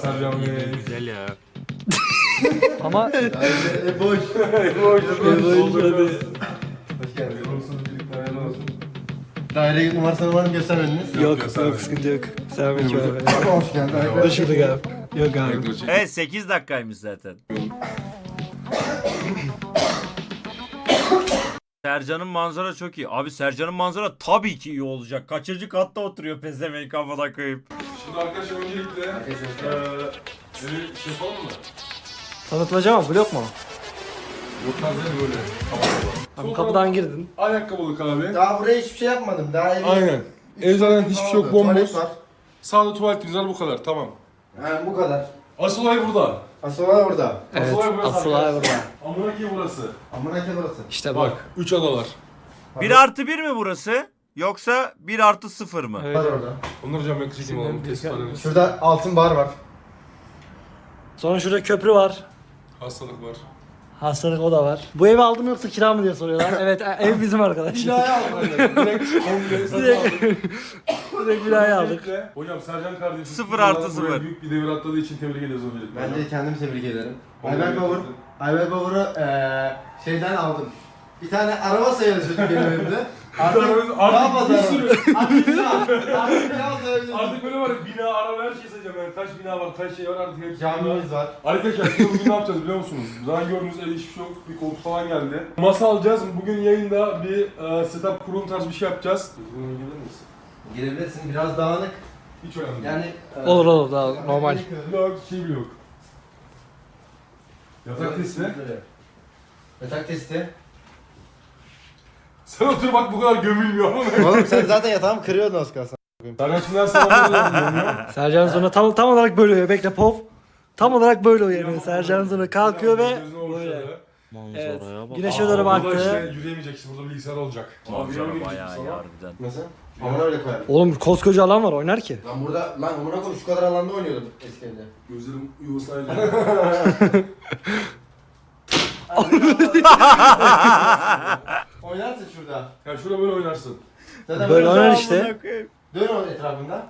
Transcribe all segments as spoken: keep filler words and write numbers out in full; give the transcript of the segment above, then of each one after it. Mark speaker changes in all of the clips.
Speaker 1: Sercan Bey.
Speaker 2: Güzel ya.
Speaker 3: Ama
Speaker 4: E boş.
Speaker 1: Boş
Speaker 4: boş, hadi.
Speaker 1: Hoş geldin. Olsun birlikte hayırlı olsun.
Speaker 4: Daire numarasını var mı göstermediniz?
Speaker 3: yok
Speaker 1: yok,
Speaker 3: yok sıkıntı yok. Selamünaleyküm abi.
Speaker 4: Abi hoş geldin.
Speaker 3: Hoş bulduk abi. Yok abi.
Speaker 2: Evet sekiz dakikaymış zaten. Sercan'ın manzara çok iyi. Abi Sercan'ın manzara tabii ki iyi olacak. Kaçıncı katta oturuyor pezevenk kafana koyup.
Speaker 1: Şimdi arkadaşlar öncelikle eee bir şey yapalım mı?
Speaker 3: Tanıtmaca mı? Blok mu?
Speaker 1: Bu tarz değil böyle.
Speaker 3: Abi kapıdan girdin.
Speaker 1: Ayakkabılık abi.
Speaker 4: Daha buraya hiçbir şey yapmadım. Daha evi...
Speaker 1: Aynen. Ev zaten hiçbir şey yok, bomboş.
Speaker 4: Tuvalet var.
Speaker 1: Sağda tuvaletimiz var, bu kadar, tamam.
Speaker 4: Ha bu kadar.
Speaker 1: Asıl olay burada.
Speaker 4: Asıl var burada.
Speaker 3: Evet.
Speaker 1: olay burası
Speaker 3: Asıl olay
Speaker 1: arkadaşlar.
Speaker 3: burada.
Speaker 1: Amına ki burası.
Speaker 4: Amına ke burası.
Speaker 3: İşte bak.
Speaker 1: Bak, üç adalar.
Speaker 2: bir artı bir mi burası? Yoksa bir artı sıfır mı?
Speaker 4: Var orada.
Speaker 1: Onları hocam ben çekeyim alalım, test edelim.
Speaker 4: Şurada altın bar var.
Speaker 3: Sonra şurada köprü var.
Speaker 1: Hastalık var.
Speaker 3: Hastalık o da var. Bu evi aldım mı yoksa kira mı diye soruyorlar. Evet ev bizim arkadaş.
Speaker 1: Binayı aldım. Direkt komple satın aldım.
Speaker 3: Direkt binayı aldık.
Speaker 1: Öncelikle, hocam Sercan kardeşim
Speaker 2: Sıfır artı
Speaker 1: buraya
Speaker 2: sıfır.
Speaker 1: Büyük bir devir atladığı için tebrik ediyoruz öncelikle.
Speaker 4: Ben de kendimi tebrik ederim.
Speaker 1: Vallahi
Speaker 4: Ayber Bavur.
Speaker 1: tebrik
Speaker 4: Ayber Bavur'u eee şeyden aldım. Bir tane araba sayılır çocuk benim evimde. Artık
Speaker 1: Artık-
Speaker 4: ne
Speaker 1: artık
Speaker 4: yapalım?
Speaker 1: bir sürü-
Speaker 4: Artık ne Artık ne yapalım?
Speaker 1: Artık böyle var ya, bina, araba, her şey sayacağım yani. Kaç bina var, kaç şey var artık hepsi.
Speaker 4: Camimiz var.
Speaker 1: Arkadaşlar şimdi bugün ne yapacağız biliyor musunuz? Zaten gördüğünüz evde hiçbir şey yok. Bir koltuk falan geldi. Masa alacağız. Bugün yayında bir e, setup kurulum tarzı bir şey yapacağız. Bugün gelir misin?
Speaker 4: Girebilirsin. Biraz dağınık.
Speaker 1: Hiç önemli değil.
Speaker 4: Yani
Speaker 3: Olur olur daha normal.
Speaker 1: Yok, şey bile yok. Yatak testi.
Speaker 4: Yatak testi.
Speaker 1: Sen otur bak, bu kadar gömülmüyor ama.
Speaker 4: Oğlum sen zaten yatağımı kırıyordun az kalsın.
Speaker 1: Serkan şimdiden selamlar.
Speaker 3: Sercan sonra tam tam olarak böyle uyuyor. Bekle pov. Tam olarak böyle uyanıyor. Sercan sonra kalkıyor ve böyle. Evet. Güneşe doğru
Speaker 1: Burada işte
Speaker 3: baktı.
Speaker 1: yürüyemeyecek, işte burada bilgisayar olacak.
Speaker 2: Manzara bayağı iyi harbiden.
Speaker 4: Nasıl? Amına öyle koyarım.
Speaker 3: Oğlum koskoca alan var oynar ki.
Speaker 4: Lan burada lan amına koyayım şu kadar alanda oynuyordum eski evde.
Speaker 1: Gözlerim yuvasayla.
Speaker 4: Oynarsın şurada.
Speaker 1: Ya şurada böyle oynarsın.
Speaker 4: Zaten
Speaker 3: Böyle oynar
Speaker 4: dön-
Speaker 3: işte.
Speaker 4: Dön onun etrafında.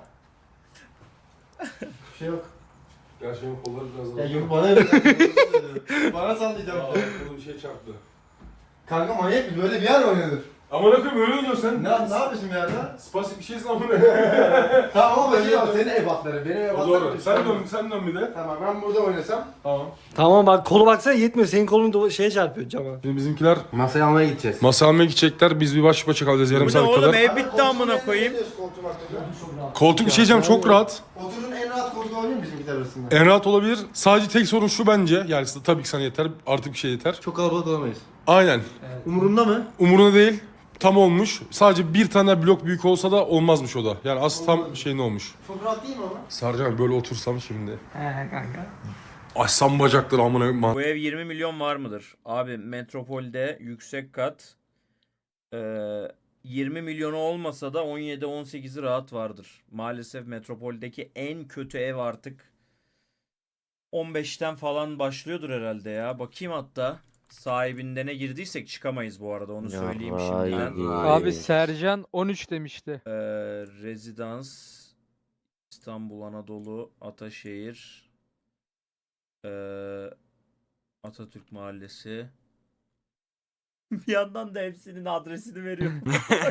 Speaker 4: Bir şey yok.
Speaker 1: Ya şeyin kolları biraz
Speaker 4: Ya
Speaker 1: daha.
Speaker 4: yürü bana öyle. Bana sallayacağım.
Speaker 1: Aa, koluna bir şey çarptı.
Speaker 4: Kanka manyak mı? Böyle bir yer mi oynanır?
Speaker 1: Aman akım öyle oynuyorsun sen.
Speaker 4: Ne, ne yapıyorsun bir yerde?
Speaker 1: Spastik bir şeysin ama.
Speaker 4: Tamam ama bakayım ya senin ebatları. Benim ebatlarım.
Speaker 1: Doğru. Sen dön, sen dön bir de.
Speaker 4: Tamam ben burada oynasam.
Speaker 1: Tamam.
Speaker 3: Tamam bak kolu baksana yetmiyor. Senin kolun da şeye çarpıyor cama.
Speaker 1: Şimdi bizimkiler
Speaker 4: Masaya almaya gideceğiz.
Speaker 1: masa almaya gidecekler. Biz bir baş başa kalacağız yarım
Speaker 2: Bu ne
Speaker 1: saat
Speaker 2: oğlum
Speaker 1: kadar.
Speaker 2: ev bitti amına koyayım.
Speaker 1: Koltuk bir şey diyeceğim, çok rahat.
Speaker 4: Oturun en rahat koltuğu olabilir mi bizimkiler arasında?
Speaker 1: En rahat olabilir. Sadece tek sorun şu bence. Yani tabii ki sana yeter. Artık bir şey yeter.
Speaker 4: Çok kalabalık olamayız.
Speaker 1: Aynen.
Speaker 4: Umurumda mı?
Speaker 1: Umurunda değil. Tam olmuş. Sadece bir tane blok büyük olsa da olmazmış o da. Yani asıl tam şey ne olmuş.
Speaker 4: Çok rahat değil mi ama?
Speaker 1: Sarcan böyle otursam şimdi.
Speaker 3: He kanka.
Speaker 1: Açsam bacakları amına.
Speaker 2: Bu ev yirmi milyon var mıdır? Abi metropolde yüksek kat eee, yirmi milyonu olmasa da on yedi on sekizi rahat vardır. Maalesef metropoldeki en kötü ev artık on beşten falan başlıyordur herhalde ya. Bakayım hatta. Sahibinde ne girdiysek çıkamayız bu arada, onu söyleyeyim şimdiden.
Speaker 5: Abi Sercan on üç demişti.
Speaker 2: Ee, rezidans İstanbul, Anadolu, Ataşehir, ee, Atatürk Mahallesi. Bir yandan da hepsinin adresini veriyorum.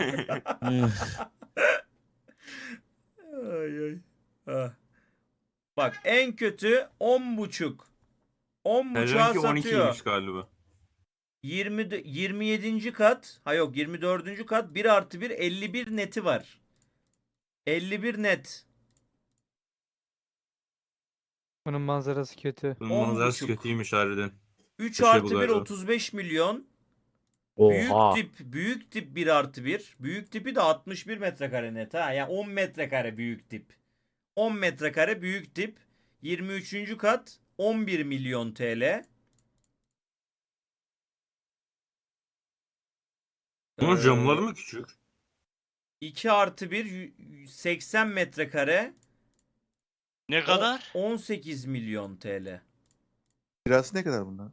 Speaker 2: Ay ay. Ha. Bak en kötü on buçuk. on buçuğa
Speaker 6: Sercan'ki on
Speaker 2: satıyor.
Speaker 6: ikiymiş galiba.
Speaker 2: yirmi, de- yirmi yedinci kat. Ha yok yirmi dördüncü kat. bir artı bir elli bir neti var. elli bir net.
Speaker 5: Bunun manzarası kötü.
Speaker 6: Bunun
Speaker 2: On
Speaker 6: manzarası
Speaker 2: buçuk.
Speaker 6: kötüymüş harbiden.
Speaker 2: üç
Speaker 6: Bir şey
Speaker 2: artı
Speaker 6: bu
Speaker 2: bir
Speaker 6: galiba.
Speaker 2: otuz beş milyon.
Speaker 3: Oha.
Speaker 2: Büyük tip büyük tip bir artı bir. Büyük tipi de altmış bir metrekare net ha. Yani on metrekare büyük tip. on metrekare büyük tip. yirmi üçüncü kat on bir milyon T L.
Speaker 6: Bunun
Speaker 2: Ee,
Speaker 6: camları mı küçük?
Speaker 2: iki artı bir seksen metrekare.
Speaker 7: Ne kadar?
Speaker 2: on sekiz milyon T L.
Speaker 8: Kirası ne kadar bunlar?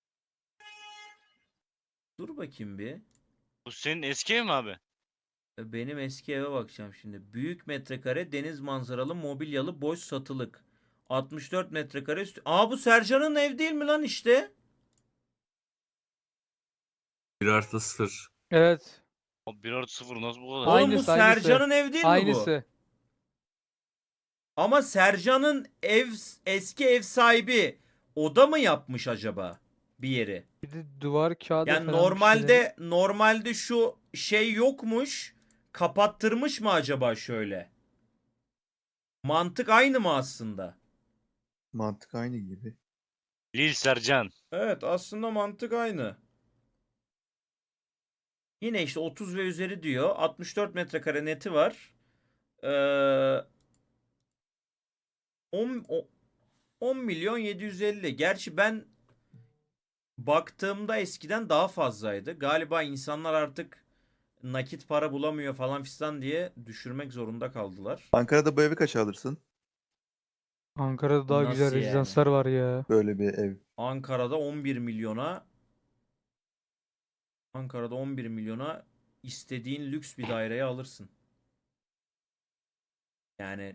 Speaker 2: Dur bakayım bir.
Speaker 7: Bu senin eski ev mi abi?
Speaker 2: Benim eski eve bakacağım şimdi. Büyük metrekare deniz manzaralı mobilyalı boş satılık. altmış dört metrekare üstü. Aa bu Sercan'ın ev değil mi lan işte?
Speaker 6: bir artı sıfır.
Speaker 5: Evet.
Speaker 7: Abi bir artı sıfır nasıl bu kadar?
Speaker 2: Oğlum bu
Speaker 5: Aynısı, aynısı.
Speaker 2: Sercan'ın ev değil mi bu?
Speaker 5: Aynısı.
Speaker 2: Ama Sercan'ın ev eski ev sahibi o da mı yapmış acaba bir yeri?
Speaker 5: Bir de duvar kağıdı
Speaker 2: Yani
Speaker 5: falan bir şeyleri.
Speaker 2: normalde normalde şu şey yokmuş. Kapattırmış mı acaba şöyle? Mantık aynı mı aslında?
Speaker 8: Mantık aynı gibi.
Speaker 7: Lil Sercan.
Speaker 2: Evet aslında mantık aynı. Yine işte otuz ve üzeri diyor. altmış dört metrekare neti var. Ee, on, o- on milyon yedi yüz elli. Gerçi ben baktığımda eskiden daha fazlaydı. Galiba insanlar artık nakit para bulamıyor falan fistan diye düşürmek zorunda kaldılar.
Speaker 8: Ankara'da bu evi kaça alırsın?
Speaker 5: Ankara'da daha
Speaker 2: Nasıl
Speaker 5: güzel
Speaker 2: yani?
Speaker 5: rezidanslar var ya.
Speaker 8: Böyle bir ev.
Speaker 2: Ankara'da on bir milyona Ankara'da on bir milyona istediğin lüks bir daireye alırsın. Yani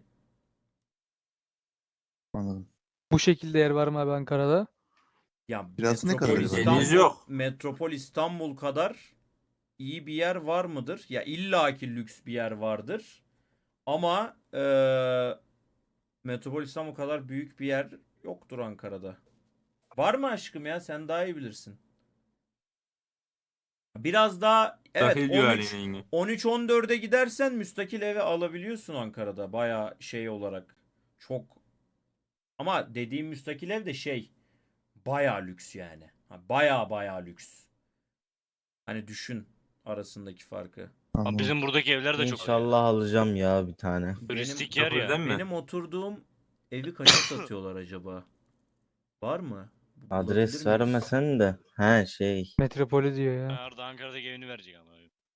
Speaker 8: Anladım.
Speaker 5: Bu şekilde yer var mı abi Ankara'da?
Speaker 2: ya
Speaker 8: Kirası ne
Speaker 2: Metropol
Speaker 8: kadar acaba?
Speaker 2: İstanbul,
Speaker 6: Deniz yok.
Speaker 2: Metropol İstanbul kadar iyi bir yer var mıdır? Ya illaki lüks bir yer vardır. Ama eee Metropol İstanbul kadar büyük bir yer yoktur Ankara'da. Var mı aşkım ya? Sen daha iyi bilirsin. Biraz daha evet
Speaker 6: Dahil
Speaker 2: on üç
Speaker 6: güvenliğine.
Speaker 2: on üç on dörde gidersen müstakil eve alabiliyorsun Ankara'da. Baya şey olarak. Çok ama dediğim müstakil ev de şey baya lüks yani. Ha, baya baya lüks. Hani düşün arasındaki farkı.
Speaker 7: Abi
Speaker 8: Anladım.
Speaker 7: bizim buradaki evler de çok
Speaker 9: İnşallah alacağım ya bir tane.
Speaker 7: turistik
Speaker 2: Benim
Speaker 7: yer ya.
Speaker 6: Metropolden mi?
Speaker 2: benim oturduğum evi kaça satıyorlar acaba? Var mı? Bulabilir
Speaker 9: Adres
Speaker 2: miyiz?
Speaker 9: vermesen de. He şey.
Speaker 5: Metropoli diyor ya.
Speaker 7: Arda Ankara'daki evini verecek ama.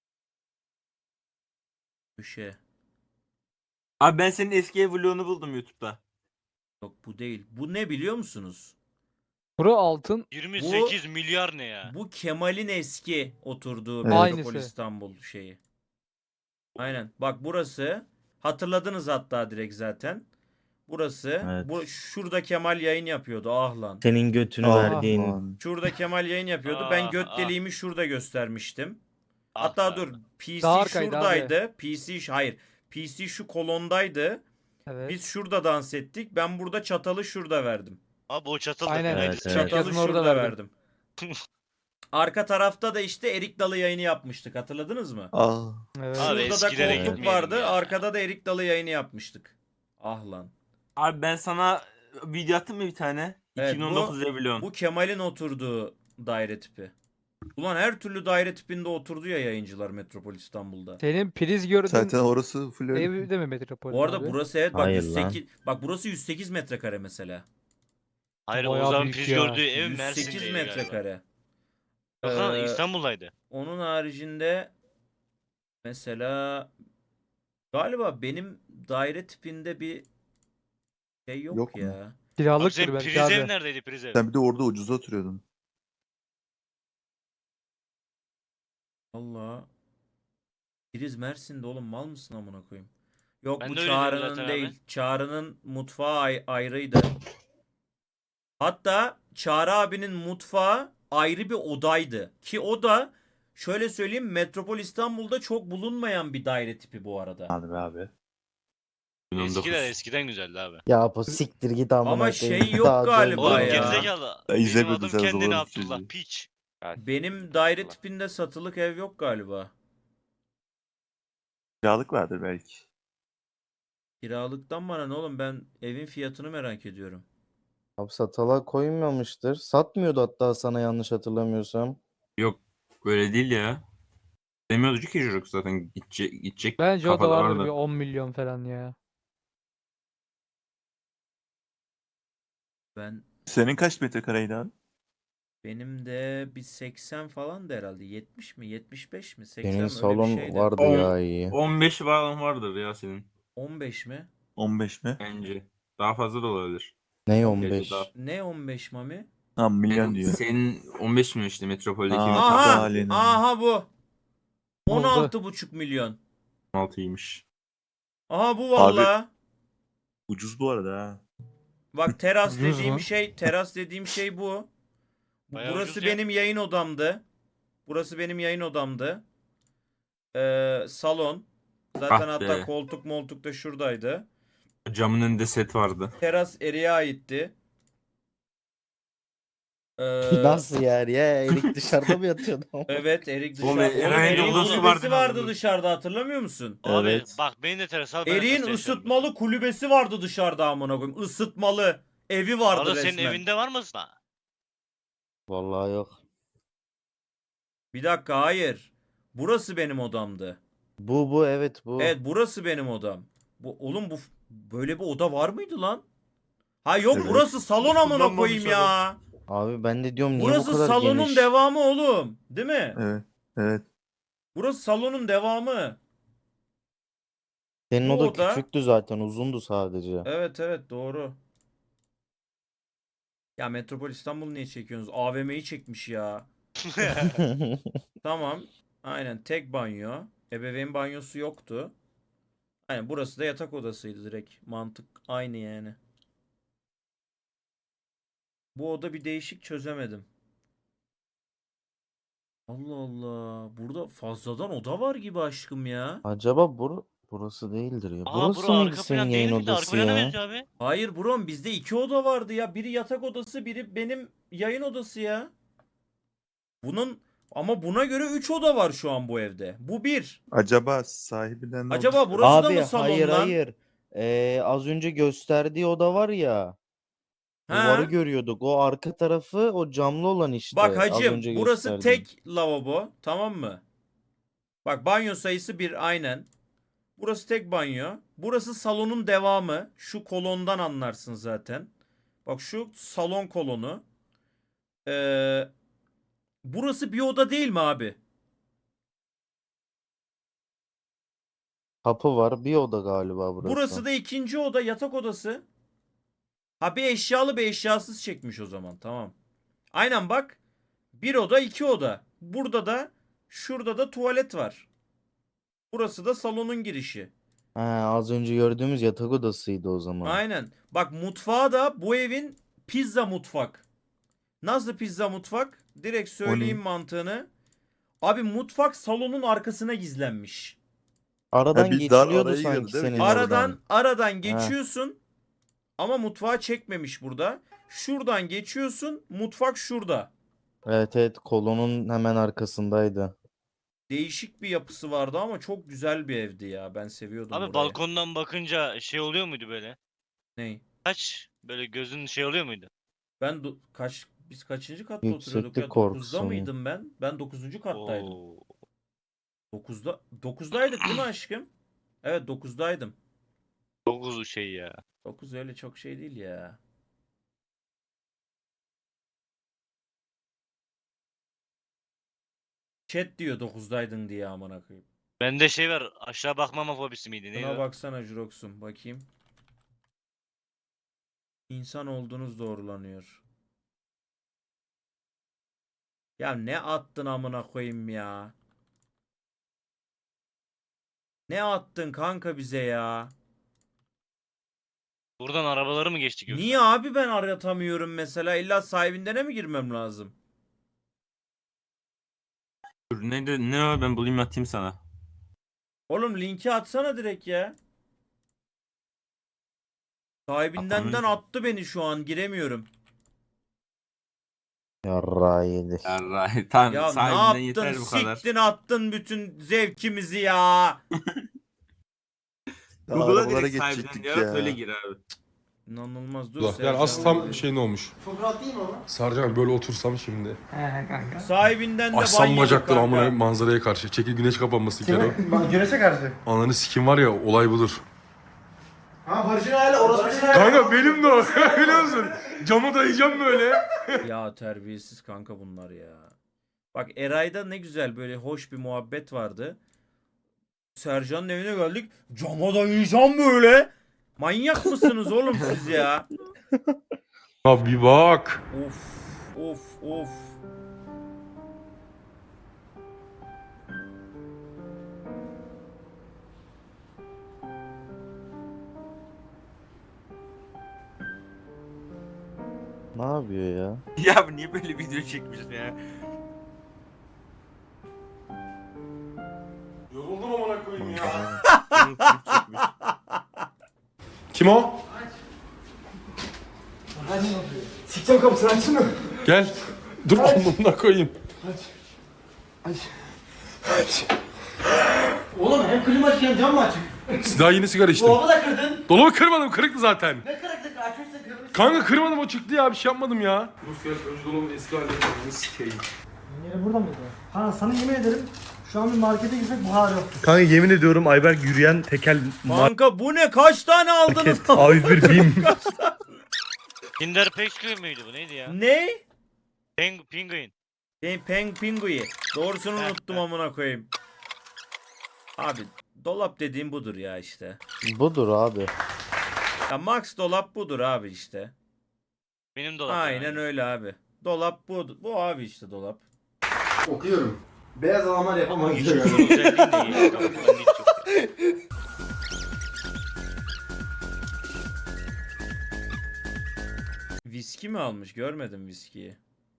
Speaker 2: Köşe.
Speaker 6: Abi ben senin eski ev vlogunu buldum YouTube'da.
Speaker 2: Yok bu değil. Bu ne biliyor musunuz?
Speaker 5: Bura altın.
Speaker 7: yirmi sekiz milyar ne ya?
Speaker 2: Bu Kemal'in eski oturduğu
Speaker 8: Evet.
Speaker 2: Metropol
Speaker 5: Aynısı.
Speaker 2: İstanbul şeyi. Aynen. Bak burası. Hatırladınız hatta direkt zaten. Burası.
Speaker 9: Evet.
Speaker 2: Bu şurada Kemal yayın yapıyordu. Ah lan.
Speaker 9: Senin götünü
Speaker 8: Aa,
Speaker 9: verdiğin.
Speaker 8: aman.
Speaker 2: Şurada Kemal yayın yapıyordu.
Speaker 7: Ah,
Speaker 2: Ben göt
Speaker 7: ah.
Speaker 2: deliğimi şurada göstermiştim.
Speaker 7: Ah
Speaker 2: Hatta
Speaker 7: be
Speaker 2: dur.
Speaker 7: Arda.
Speaker 2: P
Speaker 5: Daha
Speaker 2: C
Speaker 5: arkaydı abi.
Speaker 2: şuradaydı. P C ş- hayır. P C şu kolondaydı.
Speaker 5: Evet.
Speaker 2: Biz şurada dans ettik. Ben burada çatalı şurada verdim.
Speaker 7: Abi o çatal da
Speaker 5: Aynen.
Speaker 7: fenaydı.
Speaker 9: Evet,
Speaker 7: Sen
Speaker 9: evet.
Speaker 2: Çatalı
Speaker 5: Yazın orada
Speaker 2: şurada
Speaker 5: verdim.
Speaker 2: verdim. Arka tarafta da işte Erik Dalı yayını yapmıştık. Hatırladınız mı?
Speaker 8: Aa,
Speaker 5: Evet.
Speaker 7: Abi
Speaker 2: Şurada da
Speaker 7: eskilere
Speaker 2: koltuk
Speaker 7: gitmeyelim
Speaker 2: vardı.
Speaker 7: ya.
Speaker 2: Arkada da Erik Dalı yayını yapmıştık. Ah lan.
Speaker 6: Abi ben sana video attım mı bir tane?
Speaker 2: Evet,
Speaker 6: iki bin on dokuz ev vlogum.
Speaker 2: Bu Kemal'in oturduğu daire tipi. Ulan her türlü daire tipinde oturdu ya yayıncılar Metropol İstanbul'da.
Speaker 5: Senin priz gördüğün
Speaker 8: zaten orası full öyle.
Speaker 5: ev de mi Metropoli
Speaker 2: Bu arada
Speaker 5: abi?
Speaker 2: burası evet bak
Speaker 9: Hayır
Speaker 2: yüz
Speaker 9: lan.
Speaker 2: sekiz bak burası yüz sekiz metrekare mesela.
Speaker 7: Hayır
Speaker 5: Bayağı
Speaker 7: Oğuzhan
Speaker 5: büyük
Speaker 7: priz
Speaker 5: ya.
Speaker 7: gördüğü ev
Speaker 2: yüz sekiz
Speaker 7: Mersin'deydi galiba.
Speaker 2: metrekare.
Speaker 7: Yok lan
Speaker 2: Ee,
Speaker 7: İstanbul'daydı.
Speaker 2: Onun haricinde mesela galiba benim daire tipinde bir şey yok,
Speaker 8: Yok mu?
Speaker 2: ya.
Speaker 7: Abi
Speaker 5: Kiralıktır
Speaker 7: senin
Speaker 5: belki
Speaker 7: priz ev
Speaker 5: abi.
Speaker 7: neredeydi priz ev?
Speaker 8: Sen bir de orada ucuza oturuyordun.
Speaker 2: Allah. Priz Mersin'de oğlum mal mısın amına koyayım? Yok
Speaker 7: Ben
Speaker 2: bu
Speaker 7: de öyle diyorum
Speaker 2: Çağrı'nın
Speaker 7: zaten
Speaker 2: değil.
Speaker 7: abi.
Speaker 2: Çağrı'nın mutfağı ay- ayrıydı. Hatta Çağrı abinin mutfağı ayrı bir odaydı. Ki o da şöyle söyleyeyim Metropol İstanbul'da çok bulunmayan bir daire tipi bu arada.
Speaker 8: Hadi be abi.
Speaker 6: iki bin on dokuz.
Speaker 7: Eskiler eskiden güzeldi abi.
Speaker 9: Ya bu siktir git amına
Speaker 2: Ama
Speaker 9: koyayım.
Speaker 2: şey yok
Speaker 9: Daha
Speaker 2: galiba
Speaker 7: Oğlum
Speaker 2: ya.
Speaker 7: gerizekalı.
Speaker 8: Ya
Speaker 7: Benim
Speaker 8: izlemedin
Speaker 7: adım
Speaker 8: sen
Speaker 7: kendini
Speaker 8: zorla
Speaker 7: Abdullah
Speaker 8: çocuğu.
Speaker 7: piç.
Speaker 2: Benim daire tipinde satılık ev yok galiba.
Speaker 8: Kiralık vardır belki.
Speaker 2: Kiralıktan bana ne oğlum ben evin fiyatını merak ediyorum.
Speaker 9: Abi satala koymamıştır. Satmıyordu hatta sana yanlış hatırlamıyorsam.
Speaker 6: Yok böyle değil ya. Demiyordu ki çocuk zaten gidecek, gidecek
Speaker 5: Bence o da
Speaker 6: kafada
Speaker 5: vardır
Speaker 6: vardı.
Speaker 5: bir on milyon falan ya.
Speaker 2: Ben
Speaker 8: Senin kaç metrekareydi abi?
Speaker 2: benim de bir seksen falan da herhalde. yetmiş mi? yetmiş beş mi? seksen
Speaker 9: Senin
Speaker 2: mi? Öyle bir
Speaker 9: salon
Speaker 2: şeydi.
Speaker 9: vardı
Speaker 6: On-
Speaker 9: ya iyi.
Speaker 6: on beş falan vardır ya senin
Speaker 2: on beş mi?
Speaker 8: on beş mi?
Speaker 6: bence. Daha fazla da olabilir.
Speaker 9: Ne
Speaker 2: on
Speaker 9: on beş?
Speaker 6: daha-
Speaker 2: Ne on beş mami?
Speaker 8: Ha milyon
Speaker 6: Senin,
Speaker 8: diyor.
Speaker 6: senin on beş mi işte Metropol'deki
Speaker 8: Aa,
Speaker 6: Aa,
Speaker 8: tabii.
Speaker 2: Aha!
Speaker 8: Ailenin.
Speaker 2: Aha bu.
Speaker 5: Oldu.
Speaker 2: on altı buçuk milyon.
Speaker 6: on altıymış.
Speaker 2: Aha bu valla.
Speaker 8: Ucuz bu arada ha.
Speaker 2: Bak teras
Speaker 1: Ucuz
Speaker 2: dediğim
Speaker 1: mu?
Speaker 2: şey, teras dediğim şey bu.
Speaker 7: Bayağı
Speaker 2: Burası
Speaker 7: ucuz ya.
Speaker 2: benim yayın odamdı. Burası benim yayın odamdı. Ee, salon. Zaten
Speaker 6: Ah
Speaker 2: hatta
Speaker 6: be.
Speaker 2: koltuk moltuk da şuradaydı.
Speaker 6: Camın önünde set vardı.
Speaker 2: Teras Erik'e aitti. Ee,
Speaker 9: Nasıl yani ya? Erik dışarıda mı yatıyordu?
Speaker 2: evet Erik
Speaker 6: Oğlum,
Speaker 2: dışarıda. Oğlum
Speaker 6: Eray'ın
Speaker 2: Erik'in
Speaker 6: odası
Speaker 2: kulübesi
Speaker 6: vardı
Speaker 2: vardı
Speaker 6: nazlı.
Speaker 2: dışarıda, hatırlamıyor musun?
Speaker 7: Abi
Speaker 9: Evet.
Speaker 7: bak benim de teras al. ben de
Speaker 2: Erik'in
Speaker 7: terasta yaşıyorum.
Speaker 2: ısıtmalı kulübesi vardı dışarıda amına koyayım. Isıtmalı evi vardı
Speaker 7: Arada
Speaker 2: resmen.
Speaker 7: senin evinde var mı? Ha.
Speaker 9: Vallahi yok.
Speaker 2: Bir dakika, hayır. Burası benim odamdı.
Speaker 9: Bu bu evet bu.
Speaker 2: Evet, burası benim odam. Bu oğlum bu böyle bir oda var mıydı lan? Ha yok,
Speaker 8: Evet.
Speaker 2: burası salon amına
Speaker 1: Kullanmamış
Speaker 2: koyayım ya.
Speaker 9: Abi ben de diyorum niye bu
Speaker 2: Burası
Speaker 9: kadar
Speaker 2: salonun
Speaker 9: geniş?
Speaker 2: devamı oğlum. Değil mi?
Speaker 8: Evet. Evet.
Speaker 2: Burası salonun devamı.
Speaker 9: Senin
Speaker 2: bu
Speaker 9: oda
Speaker 2: oda-
Speaker 9: küçüktü zaten, uzundu sadece.
Speaker 2: Evet evet, doğru. Ya Metropol İstanbul niye çekiyorsunuz? A V M'yi çekmiş ya. Tamam. Aynen, tek banyo. Ebeveyn banyosu yoktu. Aynen, burası da yatak odasıydı direkt. Mantık aynı yani. Bu oda bir değişik, çözemedim. Allah Allah. Burada fazladan oda var gibi aşkım ya.
Speaker 9: Acaba bur burası değildir ya.
Speaker 7: Aa
Speaker 9: Burası
Speaker 7: bura
Speaker 9: mıydı
Speaker 7: arka
Speaker 9: senin
Speaker 7: plan
Speaker 9: yayın
Speaker 7: değil miydi? Arka
Speaker 9: odası
Speaker 7: plana
Speaker 9: ya?
Speaker 7: benziyor abi.
Speaker 2: Hayır brom, bizde iki oda vardı ya. Biri yatak odası, biri benim yayın odası ya. Bunun ama buna göre üç oda var şu an bu evde. Bu bir.
Speaker 8: Acaba sahibinden ne
Speaker 2: Acaba
Speaker 8: olmuş?
Speaker 2: burası da
Speaker 9: Abi
Speaker 2: mı salon
Speaker 9: hayır
Speaker 2: lan?
Speaker 9: hayır. Ee, az önce gösterdiği oda var ya. Duvarı
Speaker 2: Ha?
Speaker 9: görüyorduk. O arka tarafı o camlı olan işte.
Speaker 2: Bak
Speaker 9: Az
Speaker 2: hacım,
Speaker 9: önce
Speaker 2: burası
Speaker 9: gösterdiğim.
Speaker 2: tek lavabo, tamam mı? Bak banyo sayısı bir, aynen. Burası tek banyo. Burası salonun devamı. Şu kolondan anlarsın zaten. Bak şu salon kolonu. Ee, burası bir oda değil mi abi?
Speaker 9: Kapı var. Bir oda galiba burası.
Speaker 2: Burası da ikinci oda, yatak odası. Ha, bir eşyalı bir eşyasız çekmiş o zaman, tamam. Aynen bak. Bir oda iki oda. Burada da şurada da tuvalet var. Burası da salonun girişi.
Speaker 9: He, az önce gördüğümüz yatak odasıydı o zaman.
Speaker 2: Aynen. Bak mutfağı da bu evin pizza mutfak. Nasıl pizza mutfak? Direkt söyleyeyim
Speaker 8: ne?
Speaker 2: mantığını. Abi mutfak salonun arkasına gizlenmiş.
Speaker 9: Aradan
Speaker 8: Ha, bir dar
Speaker 9: geçiliyordu
Speaker 8: araya girdi
Speaker 9: sanki
Speaker 8: değil mi?
Speaker 9: senin
Speaker 2: Aradan
Speaker 9: oradan.
Speaker 2: aradan geçiyorsun. Ama mutfağı çekmemiş burada. Şuradan geçiyorsun. Mutfak şurada.
Speaker 9: Evet evet, kolonun hemen arkasındaydı.
Speaker 2: Değişik bir yapısı vardı ama çok güzel bir evdi ya. Ben seviyordum
Speaker 7: Abi
Speaker 2: burayı.
Speaker 7: balkondan bakınca şey oluyor muydu böyle?
Speaker 2: Ney?
Speaker 7: Kaç böyle gözün şey oluyor muydu?
Speaker 2: Ben do- kaç biz kaçıncı katta
Speaker 9: Yükseklik
Speaker 2: oturuyorduk ya?
Speaker 9: korkusu
Speaker 2: dokuzda
Speaker 9: mu?
Speaker 2: mıydım ben? Ben dokuzuncu kattaydım.
Speaker 7: Oo.
Speaker 2: dokuzda dokuzdaydık değil mi aşkım? Evet, dokuzdaydım.
Speaker 7: Çok uzun şey ya.
Speaker 2: dokuz öyle çok şey değil ya. Chat diyor dokuzdaydın diye, amına koyayım.
Speaker 7: Bende şey var, aşağı bakmama fobisi miydi? Neydi
Speaker 2: Buna
Speaker 7: o?
Speaker 2: baksana Jurox'um, bakayım. İnsan olduğunuz doğrulanıyor. Ya ne attın amına koyayım ya? Ne attın kanka bize ya?
Speaker 7: Buradan arabaları mı geçtik yoksa?
Speaker 2: Niye abi ben aratamıyorum mesela? İlla sahibinden mi girmem lazım?
Speaker 6: Dur, neydi? Ne o? Ben bulayım atayım sana.
Speaker 2: Oğlum linki atsana direkt ya. Sahibindenden
Speaker 6: Atamıyorum ki.
Speaker 2: attı beni, şu an giremiyorum.
Speaker 9: Yarrağı yedik.
Speaker 6: Yarrağı. Tamam,
Speaker 2: Ya ne
Speaker 6: sahibinden
Speaker 2: yaptın?
Speaker 6: yeter bu kadar.
Speaker 2: Siktin attın bütün zevkimizi ya.
Speaker 8: Daha
Speaker 6: Google'a
Speaker 8: arabalara
Speaker 6: direkt sahibinden
Speaker 8: geçecektik
Speaker 6: yarat
Speaker 8: ya.
Speaker 6: öyle gir abi.
Speaker 2: İnanılmaz, dur.
Speaker 1: Yani
Speaker 2: Sercan.
Speaker 1: asıl tam şey ne olmuş?
Speaker 4: Çok rahat değil mi ama?
Speaker 1: Sarcan böyle otursam şimdi.
Speaker 2: Sahibinden de ban
Speaker 1: Açsam
Speaker 2: yedik
Speaker 1: bacakları
Speaker 2: kanka.
Speaker 1: amına manzaraya karşı. Çekil güneş kapanması kere.
Speaker 4: Güneşe karşı.
Speaker 1: Ananı sikim var ya, olay budur.
Speaker 4: Ha Barış'ın hali orası Barış'ın hali.
Speaker 1: Kanka benim de o. Biliyor musun? Camı dayayacağım böyle.
Speaker 2: Ya terbiyesiz kanka bunlar ya. Bak Eray'da ne güzel böyle hoş bir muhabbet vardı. Sercan'ın evine geldik. Cama dayayacağım böyle. Manyak mısınız oğlum siz ya?
Speaker 1: Ya bir bak.
Speaker 2: Of of of.
Speaker 9: Ne yapıyor ya?
Speaker 6: Ya bu niye böyle video çekmişsin ya?
Speaker 1: Yoruldum amına koyayım ya.
Speaker 6: Bunu klip çekmiş.
Speaker 1: Kim o?
Speaker 3: Sikeceğim kapısını açsın mı?
Speaker 1: Gel. Dur amına koyayım.
Speaker 4: Oğlum hem klima açık hem cam mı açık?
Speaker 1: Daha yeni sigara içtim.
Speaker 4: Dolabı da kırdın.
Speaker 1: Dolabı kırmadım, kırıktı zaten.
Speaker 4: Ne kırıklık açmışsın kırmışsın.
Speaker 1: Kanka kırmadım, o çıktı ya, bir şey yapmadım ya. Rus gel, önce dolabın eski halini yapalım, sikeyim.
Speaker 3: Yeri burada mıydı? Ha sana yemin ederim şu an bir markete gitsek bu hali yok.
Speaker 10: Kanka yemin ediyorum Ayberk yürüyen tekel
Speaker 2: Kanka bu ne? Kaç tane aldınız?
Speaker 10: market A yüz bir BİM.
Speaker 7: Kinder Pastry müydü bu neydi ya?
Speaker 2: Ne?
Speaker 7: Peng Penguin.
Speaker 2: Ben Peng Pingu'yu. Doğrusunu
Speaker 7: Heh,
Speaker 2: unuttum
Speaker 7: heh.
Speaker 2: amına koyayım. Abi dolap dediğim budur ya işte.
Speaker 9: Budur abi.
Speaker 2: Ya Max dolap budur abi işte.
Speaker 7: Benim dolap.
Speaker 2: Aynen
Speaker 7: yani.
Speaker 2: öyle abi. Dolap bu. Bu abi işte dolap.
Speaker 4: Okuyorum. Beyaz adamlar yapamaz
Speaker 7: Hiç
Speaker 4: diyor.
Speaker 7: özel değil de iyi. Kapıdan geç yok.
Speaker 2: Viski mi almış? Görmedim viskiyi.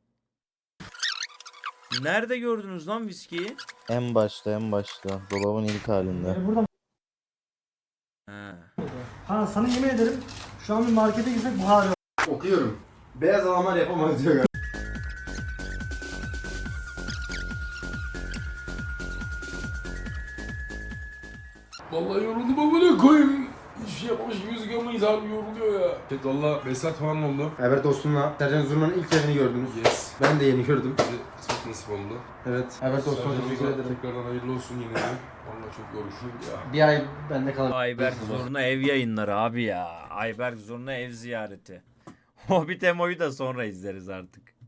Speaker 2: Nerede gördünüz lan viskiyi?
Speaker 9: En başta en başta. Dolabın ilk halinde.
Speaker 3: Yeri burada
Speaker 2: Ha.
Speaker 3: mıydı? Ha sana yemin ederim şu an bir markete gitsek bu hali yok.
Speaker 4: Okuyorum. Beyaz adamlar yapamaz diyor.
Speaker 1: Vallahi yoruldum amına koyayım. Hiçbir şey yapmamış gibi gözüküyormayız abi, yoruluyor ya. Evet valla beş saat falan oldu.
Speaker 4: Evet dostumla Sercan Zurna'nın ilk yerini gördünüz.
Speaker 1: Yes.
Speaker 4: Ben de yeni gördüm.
Speaker 1: Bize kısmet nasip oldu.
Speaker 4: Evet. Evet dostum
Speaker 1: Sercan'ımıza
Speaker 4: teşekkür ederim.
Speaker 1: Tekrardan hayırlı olsun yine de. Valla çok yorucu ya.
Speaker 4: Bir ay bende kalır.
Speaker 2: Ayberk Zorna ev yayınları abi ya. Ayberk Zorna ev ziyareti. Hobbit Emo'yu da sonra izleriz artık.